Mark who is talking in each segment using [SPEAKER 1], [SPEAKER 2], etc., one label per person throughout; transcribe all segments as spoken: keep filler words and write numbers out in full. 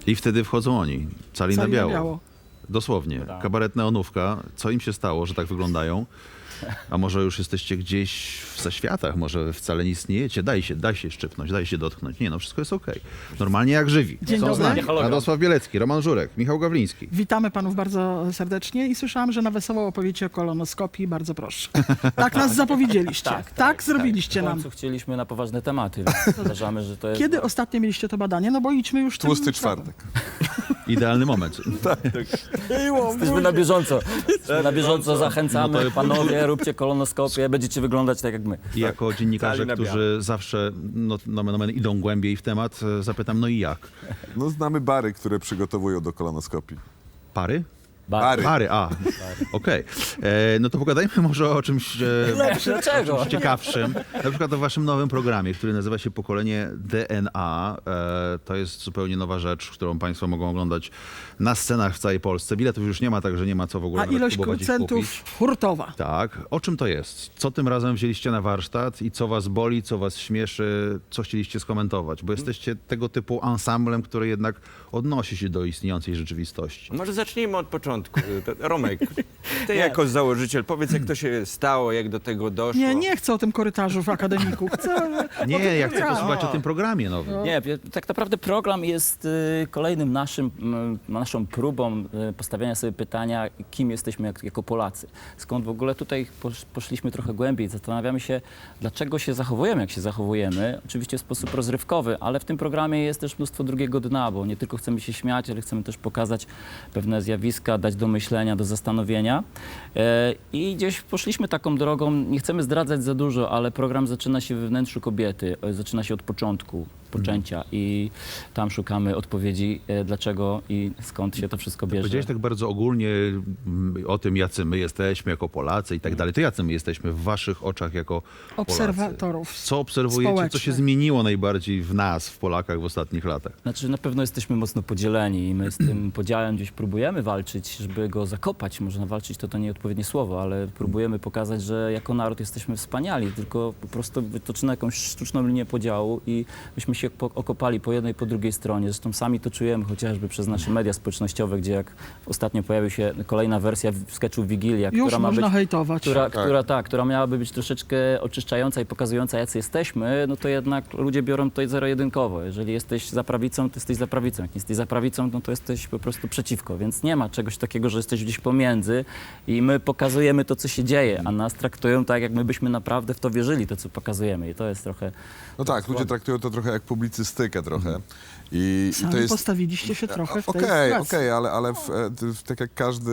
[SPEAKER 1] I wtedy wchodzą oni, cali,
[SPEAKER 2] Cali
[SPEAKER 1] na
[SPEAKER 2] na
[SPEAKER 1] biało.
[SPEAKER 2] biało.
[SPEAKER 1] Dosłownie.
[SPEAKER 3] Tak.
[SPEAKER 1] Kabaret Neonówka. Co im się stało, że tak wyglądają? A może już jesteście gdzieś w zaświatach, może wcale nie istniejecie? Daj się, daj się szczypnąć, daj się dotknąć. Nie no, wszystko jest okej. Normalnie jak żywi.
[SPEAKER 2] Dzień
[SPEAKER 1] Są z
[SPEAKER 2] dobry.
[SPEAKER 1] nami
[SPEAKER 3] Hologram.
[SPEAKER 1] Radosław Bielecki, Roman Żurek, Michał Gawliński.
[SPEAKER 2] Witamy panów bardzo serdecznie i słyszałam, że na wesoło opowiecie o kolonoskopii. Bardzo proszę. Tak nas zapowiedzieliście. Tak, tak, zrobiliście
[SPEAKER 3] W
[SPEAKER 2] nam.
[SPEAKER 3] końcu chcieliśmy na poważne tematy, więc uważamy, że to jest...
[SPEAKER 2] Kiedy ostatnio mieliście to badanie? No bo idźmy już tym
[SPEAKER 4] Tłusty
[SPEAKER 2] tropem.
[SPEAKER 4] czwartek.
[SPEAKER 1] Idealny moment.
[SPEAKER 2] Było,
[SPEAKER 3] Jesteśmy na bieżąco. Na bieżąco zachęcamy,
[SPEAKER 1] No to-
[SPEAKER 3] panowie, róbcie kolonoskopię, będziecie wyglądać tak jak my.
[SPEAKER 1] I jako dziennikarze,
[SPEAKER 5] Cali na
[SPEAKER 1] którzy zawsze no, nomen omen idą głębiej w temat, e, zapytam, no i jak?
[SPEAKER 4] No znamy bary, które przygotowują do kolonoskopii.
[SPEAKER 1] Pary?
[SPEAKER 4] Bary.
[SPEAKER 1] Pary, a. Okej. E, No to pogadajmy może o czymś e,
[SPEAKER 3] Dlaczego?
[SPEAKER 1] ciekawszym. Na przykład o waszym nowym programie, który nazywa się Pokolenie D N A. E, To jest zupełnie nowa rzecz, którą państwo mogą oglądać na scenach w całej Polsce. Biletów już nie ma, także nie ma co w ogóle
[SPEAKER 2] A
[SPEAKER 1] nawet
[SPEAKER 2] ilość
[SPEAKER 1] próbować ich
[SPEAKER 2] procentów
[SPEAKER 1] kupić.
[SPEAKER 2] hurtowa.
[SPEAKER 1] Tak. O czym to jest? Co tym razem wzięliście na warsztat i co was boli, co was śmieszy, co chcieliście skomentować? Bo jesteście tego typu ansamblem, który jednak odnosi się do istniejącej rzeczywistości.
[SPEAKER 5] Może zacznijmy od początku. To- Romek, ty jako założyciel, powiedz jak to się stało, jak do tego doszło.
[SPEAKER 2] Nie, nie chcę o tym korytarzu w akademiku. Chcę
[SPEAKER 1] Nie,
[SPEAKER 2] o tym
[SPEAKER 1] ja chcę
[SPEAKER 2] programie.
[SPEAKER 1] posłuchać o tym programie nowym.
[SPEAKER 3] Nie, tak naprawdę program jest y, kolejnym naszym, m, naszą próbą y, postawiania sobie pytania, kim jesteśmy jak, jako Polacy. Skąd w ogóle tutaj posz, poszliśmy trochę głębiej, zastanawiamy się, dlaczego się zachowujemy, jak się zachowujemy. Oczywiście w sposób rozrywkowy, ale w tym programie jest też mnóstwo drugiego dna, bo nie tylko chcemy się śmiać, ale chcemy też pokazać pewne zjawiska, dać do myślenia, do zastanowienia. E, I gdzieś poszliśmy taką drogą, nie chcemy zdradzać za dużo, ale program zaczyna się we wnętrzu kobiety, e, zaczyna się od początku, poczęcia i tam szukamy odpowiedzi, e, dlaczego i skąd się to wszystko bierze.
[SPEAKER 1] Powiedziałeś tak bardzo ogólnie mm, o tym, jacy my jesteśmy jako Polacy i tak dalej. To jacy my jesteśmy w waszych oczach jako Polacy?
[SPEAKER 2] Obserwatorów.
[SPEAKER 1] Co obserwujecie, co się
[SPEAKER 2] społecznych.
[SPEAKER 1] zmieniło najbardziej w nas, w Polakach w ostatnich latach?
[SPEAKER 3] Znaczy na pewno jesteśmy mocno podzieleni i my z tym podziałem gdzieś próbujemy walczyć, żeby go zakopać. Można walczyć, to to nieodpowiednie słowo, ale próbujemy pokazać, że jako naród jesteśmy wspaniali, tylko po prostu wytoczymy jakąś sztuczną linię podziału i myśmy się po, okopali po jednej, po drugiej stronie. Zresztą sami to czujemy chociażby przez nasze media społecznościowe, gdzie jak ostatnio pojawiła się kolejna wersja w- sketchu Wigilia,
[SPEAKER 2] Już
[SPEAKER 3] która ma
[SPEAKER 2] można
[SPEAKER 3] być...
[SPEAKER 2] hejtować.
[SPEAKER 3] Która, która, tak, która miałaby być troszeczkę oczyszczająca i pokazująca, jacy jesteśmy, no to jednak ludzie biorą to zero-jedynkowo. Jeżeli jesteś za prawicą, to jesteś za prawicą. Jak nie jesteś za prawicą, no to jesteś po prostu przeciwko. Więc nie ma czegoś takiego, że jesteś gdzieś pomiędzy i my pokazujemy to, co się dzieje, a nas traktują tak, jak my byśmy naprawdę w to wierzyli, to, co pokazujemy. I to jest trochę...
[SPEAKER 4] No tak, ludzie traktują to trochę jak publicystykę trochę. I, i
[SPEAKER 2] Sami
[SPEAKER 4] to jest...
[SPEAKER 2] postawiliście się trochę w tej
[SPEAKER 4] Okej,
[SPEAKER 2] sytuacji.
[SPEAKER 4] okej, ale, ale w, e, t- w, tak jak każdy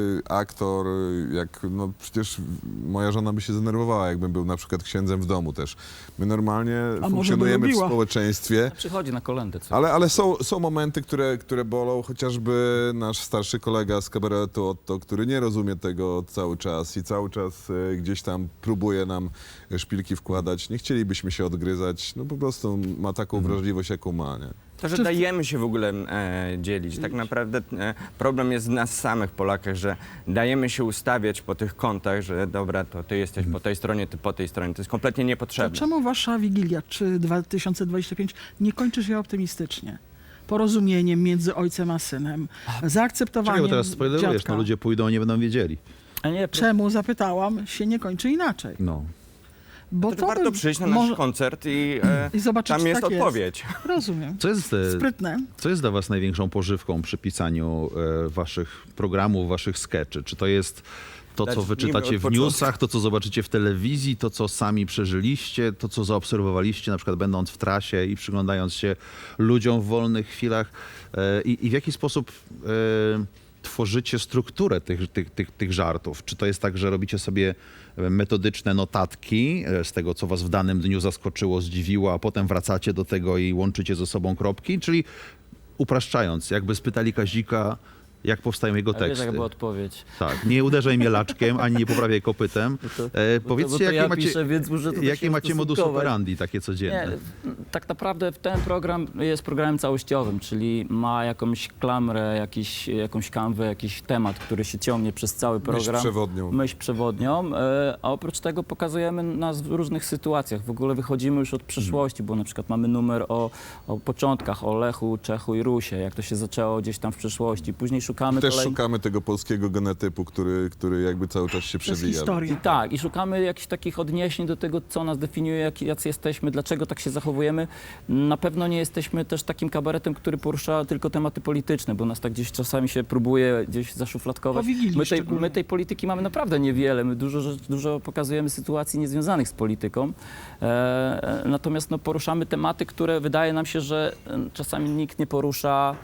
[SPEAKER 4] aktor, jak, no przecież moja żona by się zdenerwowała, jakbym był na przykład księdzem w domu też. My normalnie
[SPEAKER 2] może by
[SPEAKER 4] funkcjonujemy w
[SPEAKER 2] lubiła.
[SPEAKER 4] społeczeństwie,
[SPEAKER 3] Przychodzi na kolędę. Co?
[SPEAKER 4] ale, ale są, są momenty, które, które bolą, chociażby nasz starszy kolega z kabaretu Otto, który nie rozumie tego cały czas i cały czas e, gdzieś tam próbuje nam szpilki wkładać. Nie chcielibyśmy się odgryzać, no po prostu ma taką wrażliwość, jaką ma, nie?
[SPEAKER 5] To, że dajemy się w ogóle e, dzielić. Tak naprawdę e, problem jest w nas samych, Polakach, że dajemy się ustawiać po tych kątach, że dobra, to ty jesteś po tej stronie, ty po tej stronie. To jest kompletnie
[SPEAKER 2] To
[SPEAKER 5] niepotrzebne.
[SPEAKER 2] czemu wasza Wigilia, czy dwa tysiące dwudziesty piąty, nie kończy się optymistycznie? Porozumieniem między ojcem a synem,
[SPEAKER 1] Czekaj,
[SPEAKER 2] zaakceptowaniem
[SPEAKER 1] bo teraz spoilerujesz,
[SPEAKER 2] dziadka.
[SPEAKER 1] no ludzie pójdą, nie będą wiedzieli.
[SPEAKER 3] A nie,
[SPEAKER 2] Czemu, zapytałam, się nie kończy inaczej?
[SPEAKER 1] No.
[SPEAKER 2] Bo
[SPEAKER 5] To, to warto
[SPEAKER 2] by-
[SPEAKER 5] przyjść na nasz
[SPEAKER 2] może-
[SPEAKER 5] koncert i, e,
[SPEAKER 2] I zobaczyć,
[SPEAKER 5] tam
[SPEAKER 2] czy
[SPEAKER 5] jest
[SPEAKER 2] tak
[SPEAKER 5] odpowiedź.
[SPEAKER 2] Rozumiem.
[SPEAKER 1] Co jest, e,
[SPEAKER 2] Sprytne.
[SPEAKER 1] co jest dla was największą pożywką przy pisaniu e, waszych programów, waszych skeczy? Czy to jest to, co
[SPEAKER 5] Zacznijmy
[SPEAKER 1] wyczytacie
[SPEAKER 5] od
[SPEAKER 1] w
[SPEAKER 5] początku.
[SPEAKER 1] newsach, to, co zobaczycie w telewizji, to, co sami przeżyliście, to, co zaobserwowaliście, na przykład będąc w trasie i przyglądając się ludziom w wolnych chwilach? E, i, I w jaki sposób e, tworzycie strukturę tych, tych, tych, tych żartów? Czy to jest tak, że robicie sobie metodyczne notatki e, z tego, co was w danym dniu zaskoczyło, zdziwiło, a potem wracacie do tego i łączycie ze sobą kropki? Czyli upraszczając, jakby spytali Kazika, Jak powstają jego
[SPEAKER 3] Ale wiesz,
[SPEAKER 1] teksty.
[SPEAKER 3] jaka była odpowiedź.
[SPEAKER 1] Tak, nie uderzaj mnie laczkiem, ani nie poprawiaj kopytem.
[SPEAKER 3] To,
[SPEAKER 1] E,
[SPEAKER 3] bo to,
[SPEAKER 1] powiedzcie,
[SPEAKER 3] bo to
[SPEAKER 1] jakie
[SPEAKER 3] ja
[SPEAKER 1] macie,
[SPEAKER 3] piszę, więc muszę tutaj
[SPEAKER 1] jakie
[SPEAKER 3] się
[SPEAKER 1] macie modus
[SPEAKER 3] ustosunkować.
[SPEAKER 1] operandi takie codzienne?
[SPEAKER 3] Nie, tak naprawdę ten program jest programem całościowym, czyli ma jakąś klamrę, jakiś, jakąś kanwę, jakiś temat, który się ciągnie przez cały program.
[SPEAKER 4] przewodnią.
[SPEAKER 3] Myśl przewodnią. e, A oprócz tego pokazujemy nas w różnych sytuacjach. W ogóle wychodzimy już od przeszłości, bo na przykład mamy numer o, o początkach, o Lechu, Czechu i Rusie, jak to się zaczęło gdzieś tam w przeszłości. Później szukamy
[SPEAKER 4] Też
[SPEAKER 3] kolej-
[SPEAKER 4] szukamy tego polskiego genotypu, który, który jakby cały czas się
[SPEAKER 2] Przez
[SPEAKER 4] przewija.
[SPEAKER 2] historię.
[SPEAKER 3] I tak, i szukamy jakichś takich odniesień do tego, co nas definiuje, jak, jacy jesteśmy, dlaczego tak się zachowujemy. Na pewno nie jesteśmy też takim kabaretem, który porusza tylko tematy polityczne, bo nas tak gdzieś czasami się próbuje gdzieś zaszufladkować.
[SPEAKER 2] Po Wigilii
[SPEAKER 3] My tej,
[SPEAKER 2] szczególnie.
[SPEAKER 3] my tej polityki mamy naprawdę niewiele. My dużo, rzecz- dużo pokazujemy sytuacji niezwiązanych z polityką. E, e, natomiast no, poruszamy tematy, które wydaje nam się, że e, czasami nikt nie porusza.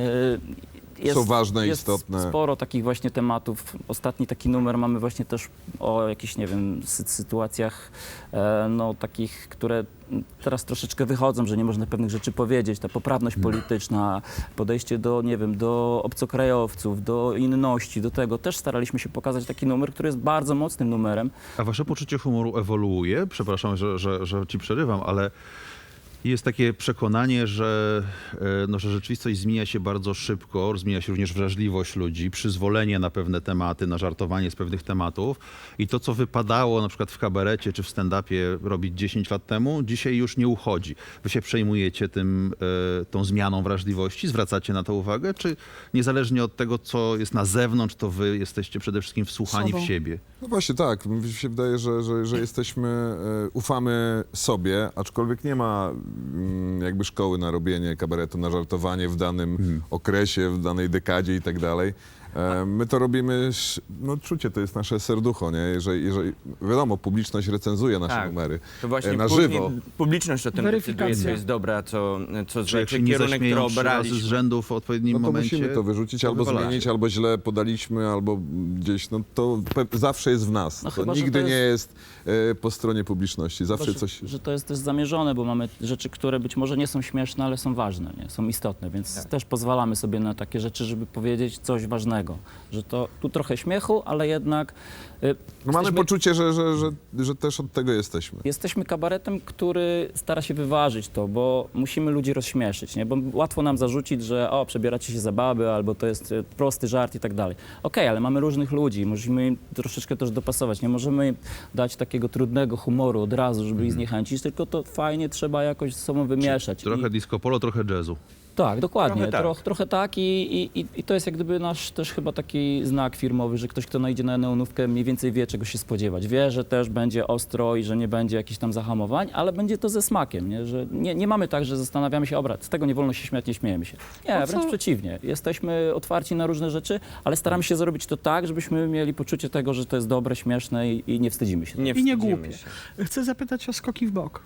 [SPEAKER 3] E, jest,
[SPEAKER 4] Są ważne,
[SPEAKER 3] jest
[SPEAKER 4] istotne.
[SPEAKER 3] sporo takich właśnie tematów. Ostatni taki numer mamy właśnie też o jakichś, nie wiem, sy sytuacjach e, no takich, które teraz troszeczkę wychodzą, że nie można pewnych rzeczy powiedzieć. Ta poprawność polityczna, podejście do, nie wiem, do obcokrajowców, do inności, do tego. Też staraliśmy się pokazać taki numer, który jest bardzo mocnym numerem.
[SPEAKER 1] A wasze poczucie humoru ewoluuje? Przepraszam, że, że, że ci przerywam, ale jest takie przekonanie, że, e, no, że rzeczywistość zmienia się bardzo szybko, zmienia się również wrażliwość ludzi, przyzwolenie na pewne tematy, na żartowanie z pewnych tematów i to, co wypadało na przykład w kabarecie czy w stand-upie robić dziesięć lat temu, dzisiaj już nie uchodzi. Wy się przejmujecie tym, e, tą zmianą wrażliwości, zwracacie na to uwagę, czy niezależnie od tego, co jest na zewnątrz, to wy jesteście przede wszystkim wsłuchani
[SPEAKER 2] Sobą.
[SPEAKER 1] w siebie?
[SPEAKER 4] No właśnie tak, mi się wydaje, że, że, że jesteśmy, e, ufamy sobie, aczkolwiek nie ma mm, jakby szkoły na robienie kabaretu, na żartowanie w danym okresie, w danej dekadzie i tak dalej. E, My to robimy, sz- no czucie, to jest nasze serducho, nie? Jeżeli, jeżeli, wiadomo, publiczność recenzuje nasze
[SPEAKER 5] Tak.
[SPEAKER 4] numery
[SPEAKER 5] To właśnie
[SPEAKER 4] e, na
[SPEAKER 5] później
[SPEAKER 4] żywo.
[SPEAKER 5] publiczność o tym
[SPEAKER 2] Weryfikacja.
[SPEAKER 5] decyduje, co jest dobre, a co, co
[SPEAKER 1] Czy jak
[SPEAKER 5] złe,
[SPEAKER 1] się nie
[SPEAKER 5] kierunek, który
[SPEAKER 1] zaśmieją trzy razy z
[SPEAKER 5] obraliśmy.
[SPEAKER 1] rzędu w odpowiednim
[SPEAKER 4] No to
[SPEAKER 1] momencie,
[SPEAKER 4] musimy to wyrzucić,
[SPEAKER 1] to
[SPEAKER 4] albo
[SPEAKER 1] wywalacie.
[SPEAKER 4] zmienić, albo źle podaliśmy, albo gdzieś, no to pe- zawsze jest w nas.
[SPEAKER 3] No
[SPEAKER 4] to
[SPEAKER 3] chyba, że
[SPEAKER 4] nigdy
[SPEAKER 3] to
[SPEAKER 4] nie
[SPEAKER 3] jest-
[SPEAKER 4] jest e, po stronie publiczności, zawsze
[SPEAKER 3] Chyba, że,
[SPEAKER 4] coś...
[SPEAKER 3] że to jest też zamierzone, bo mamy rzeczy, które być może nie są śmieszne, ale są ważne, nie? Są istotne, więc
[SPEAKER 5] Tak.
[SPEAKER 3] też pozwalamy sobie na takie rzeczy, żeby powiedzieć coś ważnego. Że to tu trochę śmiechu, ale jednak y,
[SPEAKER 4] No mamy
[SPEAKER 3] jesteśmy,
[SPEAKER 4] poczucie, że, że, że, że też od tego jesteśmy.
[SPEAKER 3] jesteśmy kabaretem, który stara się wyważyć to, bo musimy ludzi rozśmieszyć, nie? Bo łatwo nam zarzucić, że o, przebieracie się za baby, albo to jest y, prosty żart i tak dalej. Okej, ale mamy różnych ludzi, musimy im troszeczkę też dopasować. Nie możemy im dać takiego trudnego humoru od razu, żeby ich zniechęcić, tylko to fajnie trzeba jakoś ze sobą wymieszać.
[SPEAKER 1] Trochę
[SPEAKER 3] I,
[SPEAKER 1] disco polo, trochę jazzu.
[SPEAKER 3] tak, dokładnie.
[SPEAKER 5] Trochę tak.
[SPEAKER 3] Trochę, trochę tak i, i, i- i to jest jak gdyby nasz też chyba taki znak firmowy, że ktoś, kto najdzie na neonówkę, mniej więcej wie, czego się spodziewać. Wie, że też będzie ostro i że nie będzie jakichś tam zahamowań, ale będzie to ze smakiem, nie? Że nie, nie mamy tak, że zastanawiamy się, obraz, z tego nie wolno się śmiać, nie śmiejemy się. Nie,
[SPEAKER 2] No co?
[SPEAKER 3] wręcz przeciwnie. Jesteśmy otwarci na różne rzeczy, ale staramy się zrobić to tak, żebyśmy mieli poczucie tego, że to jest dobre, śmieszne i, i nie wstydzimy się.
[SPEAKER 5] Nie
[SPEAKER 2] I nie
[SPEAKER 5] wstydzimy
[SPEAKER 2] głupie.
[SPEAKER 5] się.
[SPEAKER 2] Chcę zapytać o skoki w bok.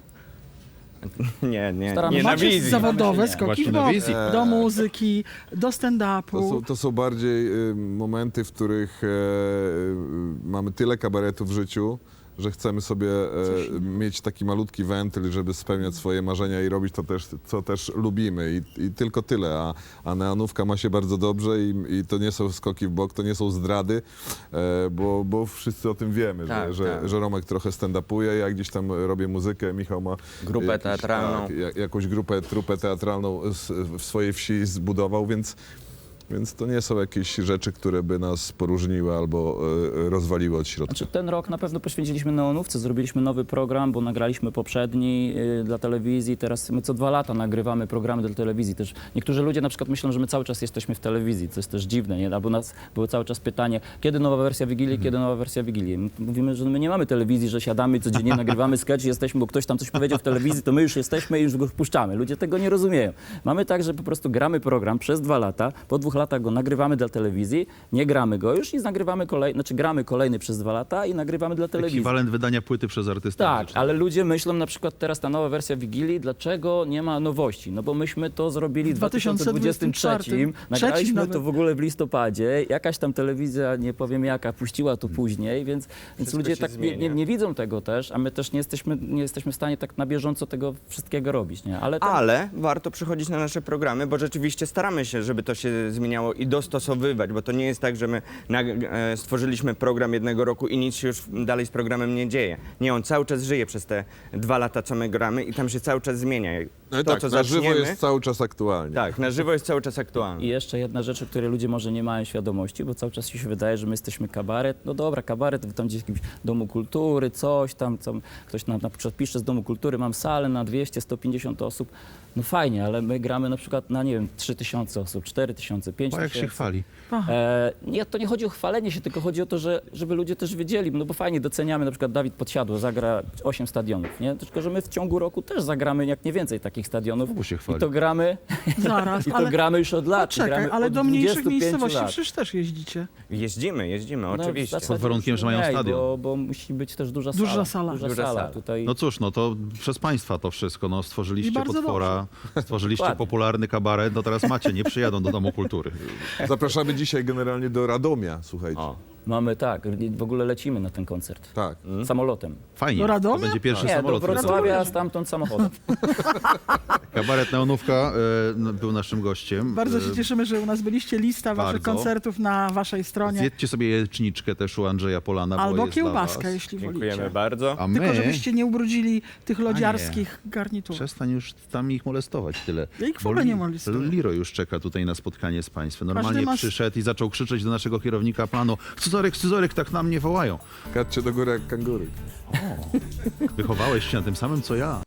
[SPEAKER 5] Nie, nie,
[SPEAKER 3] Staramy
[SPEAKER 5] nie
[SPEAKER 3] się-
[SPEAKER 5] na
[SPEAKER 2] Macie
[SPEAKER 5] wizji.
[SPEAKER 2] zawodowe
[SPEAKER 3] nie.
[SPEAKER 2] skoki
[SPEAKER 1] Właśnie
[SPEAKER 2] w
[SPEAKER 1] na
[SPEAKER 2] bok.
[SPEAKER 1] wizji.
[SPEAKER 2] Do muzyki, do
[SPEAKER 4] To
[SPEAKER 2] stand-upu.
[SPEAKER 4] są, to są bardziej y, momenty, w których e, y, mamy tyle kabaretu w życiu, że chcemy sobie e, mieć taki malutki wentyl, żeby spełniać swoje marzenia i robić to też, co też lubimy. I, i tylko tyle. A, a neonówka ma się bardzo dobrze i, i to nie są skoki w bok, to nie są zdrady, e, bo, bo wszyscy o tym wiemy,
[SPEAKER 5] Tak,
[SPEAKER 4] że, że,
[SPEAKER 5] tak.
[SPEAKER 4] że Romek trochę stand-upuje, ja gdzieś tam robię muzykę, Michał ma
[SPEAKER 5] Grupę
[SPEAKER 4] jakiś-
[SPEAKER 5] teatralną.
[SPEAKER 4] Tak, ja- jakąś grupę, trupę teatralną z, w swojej wsi zbudował, więc Więc to nie są jakieś rzeczy, które by nas poróżniły albo e, rozwaliły od środka.
[SPEAKER 3] Znaczy, ten rok na pewno poświęciliśmy neonówce, zrobiliśmy nowy program, bo nagraliśmy poprzedni y, dla telewizji, teraz my co dwa lata nagrywamy programy dla telewizji. Też niektórzy ludzie na przykład myślą, że my cały czas jesteśmy w telewizji, co jest też dziwne, nie? Albo nas było cały czas pytanie, kiedy nowa wersja Wigilii, kiedy nowa wersja Wigilii. My mówimy, że my nie mamy telewizji, że siadamy codziennie, nagrywamy sketch, jesteśmy, bo ktoś tam coś powiedział w telewizji, to my już jesteśmy i już go wpuszczamy. Ludzie tego nie rozumieją. Mamy tak, że po prostu gramy program przez dwa lata, po dwóch latach go nagrywamy dla telewizji, nie gramy go już i nagrywamy kolejny, znaczy gramy kolejny przez dwa lata i nagrywamy dla telewizji.
[SPEAKER 1] Ekwiwalent wydania płyty przez artystę.
[SPEAKER 3] Tak,
[SPEAKER 1] muzycznego.
[SPEAKER 3] ale ludzie myślą na przykład teraz ta nowa wersja Wigilii, dlaczego nie ma nowości? No bo myśmy to zrobili w
[SPEAKER 2] W dwa tysiące
[SPEAKER 3] dwa tysiące dwudziestym trzecim,
[SPEAKER 2] trzecim.
[SPEAKER 3] nagraliśmy
[SPEAKER 2] Trzecim
[SPEAKER 3] to
[SPEAKER 2] nawet.
[SPEAKER 3] w ogóle w listopadzie, jakaś tam telewizja, nie powiem jaka, puściła to później, więc, więc
[SPEAKER 5] Wszystko
[SPEAKER 3] ludzie
[SPEAKER 5] się
[SPEAKER 3] tak nie, nie,
[SPEAKER 5] zmienia.
[SPEAKER 3] nie widzą tego też, a my też nie jesteśmy, nie jesteśmy w stanie tak na bieżąco tego wszystkiego robić, nie? Ale, ten,
[SPEAKER 5] Ale warto przychodzić na nasze programy, bo rzeczywiście staramy się, żeby to się zmieniło. zmieniało i dostosowywać, bo to nie jest tak, że my nag- e, stworzyliśmy program jednego roku i nic się już dalej z programem nie dzieje. Nie, on cały czas żyje przez te dwa lata, co my gramy i tam się cały czas zmienia.
[SPEAKER 4] No i
[SPEAKER 5] to,
[SPEAKER 4] tak,
[SPEAKER 5] co
[SPEAKER 4] na żywo
[SPEAKER 5] zaczniemy,
[SPEAKER 4] jest cały czas aktualnie.
[SPEAKER 5] tak, na żywo jest cały czas aktualny.
[SPEAKER 3] I jeszcze jedna rzecz, o której ludzie może nie mają świadomości, bo cały czas się wydaje, że my jesteśmy kabaret. No dobra, kabaret, wy tam gdzieś w jakimś domu kultury, coś tam, co ktoś nam na przykład pisze z domu kultury, mam salę na dwieście sto pięćdziesiąt osób. No fajnie, ale my gramy na przykład na, nie wiem, trzy tysiące osób, cztery tysiące, pięć
[SPEAKER 1] O, jak się
[SPEAKER 3] tysięcy.
[SPEAKER 1] chwali.
[SPEAKER 3] E, nie, to nie chodzi o chwalenie się, tylko chodzi o to, że, żeby ludzie też wiedzieli, no bo fajnie doceniamy, na przykład Dawid Podsiadło zagra osiem stadionów, nie? Tylko, że my w ciągu roku też zagramy jak nie więcej takich stadionów.
[SPEAKER 1] Znowu się chwali.
[SPEAKER 3] I to gramy,
[SPEAKER 2] Zaraz,
[SPEAKER 3] i to
[SPEAKER 2] ale
[SPEAKER 3] gramy już od lat.
[SPEAKER 2] czekaj,
[SPEAKER 3] gramy
[SPEAKER 2] ale
[SPEAKER 3] od
[SPEAKER 2] do mniejszych
[SPEAKER 3] dwudziestu pięciu
[SPEAKER 2] miejscowości
[SPEAKER 3] lat.
[SPEAKER 2] przecież też jeździcie.
[SPEAKER 5] Jeździmy, jeździmy,
[SPEAKER 3] No, w
[SPEAKER 5] oczywiście.
[SPEAKER 3] zasadzie
[SPEAKER 1] Pod warunkiem,
[SPEAKER 3] już
[SPEAKER 1] że mają
[SPEAKER 3] mniej,
[SPEAKER 1] stadion.
[SPEAKER 3] Bo, bo musi być też duża sala.
[SPEAKER 2] Duża sala.
[SPEAKER 3] Duża
[SPEAKER 5] Duża
[SPEAKER 3] sala.
[SPEAKER 5] sala.
[SPEAKER 3] Tutaj...
[SPEAKER 1] No cóż, no to przez państwa to wszystko. No,
[SPEAKER 2] I
[SPEAKER 1] stworzyliście
[SPEAKER 2] bardzo
[SPEAKER 1] potwora, stworzyliście
[SPEAKER 3] Dokładnie.
[SPEAKER 1] popularny kabaret, no teraz macie, nie przyjadą do Domu Kultury.
[SPEAKER 4] Zapraszamy dzisiaj generalnie do Radomia, słuchajcie.
[SPEAKER 5] O.
[SPEAKER 3] Mamy tak, w ogóle lecimy na ten koncert.
[SPEAKER 4] Tak.
[SPEAKER 3] Samolotem.
[SPEAKER 1] Fajnie,
[SPEAKER 2] Do Radomia?
[SPEAKER 1] to będzie pierwszy
[SPEAKER 3] Nie, do
[SPEAKER 1] samolot.
[SPEAKER 3] Wrocławia, a stamtąd samochodem.
[SPEAKER 1] Kabaret Neonówka e, no, był naszym gościem.
[SPEAKER 2] Bardzo
[SPEAKER 1] E,
[SPEAKER 2] się cieszymy, że u nas byliście. Lista waszych
[SPEAKER 1] bardzo.
[SPEAKER 2] koncertów na waszej stronie.
[SPEAKER 1] Zjedźcie sobie jajeczniczkę też u Andrzeja Polana, bo
[SPEAKER 2] Albo
[SPEAKER 1] jest dla
[SPEAKER 2] kiełbaskę,
[SPEAKER 1] was.
[SPEAKER 2] jeśli
[SPEAKER 5] Dziękujemy
[SPEAKER 2] wolicie.
[SPEAKER 5] bardzo.
[SPEAKER 1] A my...
[SPEAKER 2] Tylko żebyście nie ubrudzili tych lodziarskich garniturów.
[SPEAKER 1] Przestań już tam ich molestować tyle.
[SPEAKER 2] Ja ich w
[SPEAKER 1] Bo
[SPEAKER 2] ogóle
[SPEAKER 1] Li-
[SPEAKER 2] nie molestuję.
[SPEAKER 1] Liro już czeka tutaj na spotkanie z państwem. Normalnie
[SPEAKER 2] Każdy ma s-
[SPEAKER 1] przyszedł i zaczął krzyczeć do naszego kierownika planu: Scyzoryk, Scyzoryk, tak na mnie wołają.
[SPEAKER 4] Kaczcie do góry jak kangury.
[SPEAKER 1] Wychowałeś się na tym samym, co ja.